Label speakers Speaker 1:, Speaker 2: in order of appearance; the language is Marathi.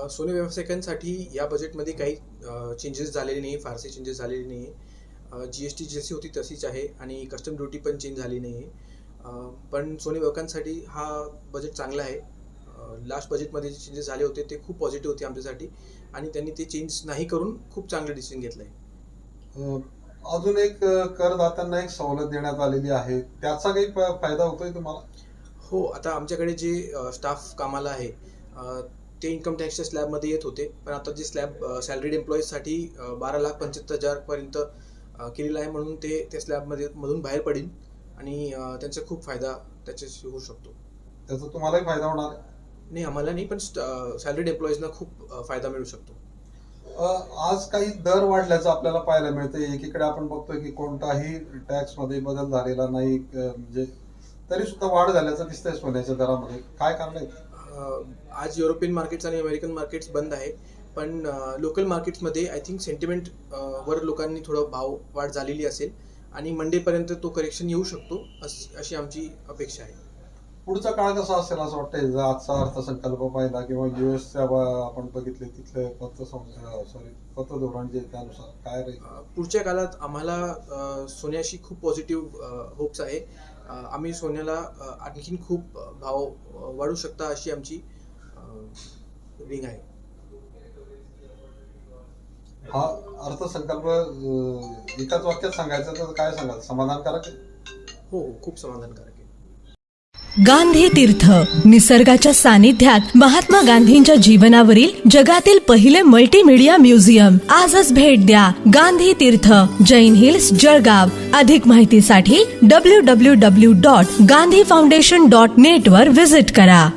Speaker 1: सोने व्यावसायिकांसाठी या बजेटमध्ये काही चेंजेस झालेले नाही, फारसे चेंजेस झालेले नाही आहे. GST जशी होती तशीच आहे आणि कस्टम ड्युटी पण चेंज झाली नाही आहे. पण सोने व्यावसायिकांसाठी हा बजेट चांगला आहे. लास्ट बजेटमध्ये जे चेंजेस झाले होते ते खूप पॉझिटिव्ह होते आमच्यासाठी आणि त्यांनी ते चेंज नाही करून खूप चांगलं डिसिजन घेतलं आहे.
Speaker 2: अजून एक करदात्यांना एक सवलत देण्यात आलेली आहे, त्याचा काही फायदा होतोय तुम्हाला?
Speaker 1: हो, आता आमच्याकडे जे स्टाफ कामाला आहे ते इन्कम टॅक्सच्या स्लॅबमध्ये येत होते, पण आता जे स्लॅब सॅलरीड एम्प्लॉईजसाठी 12,75,000 पर्यंत केलेलं आहे, म्हणून ते त्या स्लॅबमध्ये मधून बाहेर पडेल आणि त्यांचा खूप फायदा त्याच्याशी होऊ शकतो.
Speaker 2: त्याचा तुम्हालाही फायदा होणार आहे?
Speaker 1: नाही, आम्हाला नाही, पण सॅलरीड एम्प्लॉईजना खूप फायदा मिळू शकतो.
Speaker 2: आज काही दर वाढल्याचं आपल्याला पाहायला मिळतं. एकीकडे आपण बघतोय की कोणताही टॅक्स मध्ये बदल झालेला नाही, म्हणजे तरी सुद्धा वाढ झाल्याचं दिसतंय सोन्याच्या दरामध्ये. काय कारण आहे?
Speaker 1: आज युरोपियन मार्केट्स आणि अमेरिकन मार्केट्स बंद आहे, पण लोकल मार्केट्समध्ये आय थिंक सेंटिमेंट वर लोकांनी थोडं भाव वाढ झालेली असेल आणि मंडेपर्यंत तो करेक्शन येऊ शकतो अशी आमची अपेक्षा आहे.
Speaker 2: पुढचा काळ कसा असेल असं वाटतंय? जर आजचा अर्थसंकल्प पाहिला किंवा युएसच्या आपण बघितले तिथले पतधोरण जे त्यानुसार काय राहील?
Speaker 1: पुढच्या काळात आम्हाला सोन्याशी खूप पॉझिटिव्ह होप्स आहे. आम्ही सोन्याला आणखीन खूप भाव वाढू शकता अशी आमची रिंग आहे.
Speaker 2: हा अर्थसंकल्प एकाच वाक्यात सांगायचं तर काय सांगाल? समाधानकारक आहे?
Speaker 1: हो, खूप समाधानकारक आहे.
Speaker 3: गांधी तीर्थ, निसर्गाच्या सानिध्यात महात्मा गांधींच्या जीवनावरील जगातील पहिले मल्टीमीडिया म्युझियम. आजच भेट द्या. गांधी तीर्थ, जैन हिल्स, जळगाव. अधिक माहितीसाठी www.gandhifoundation.net वर विजिट करा.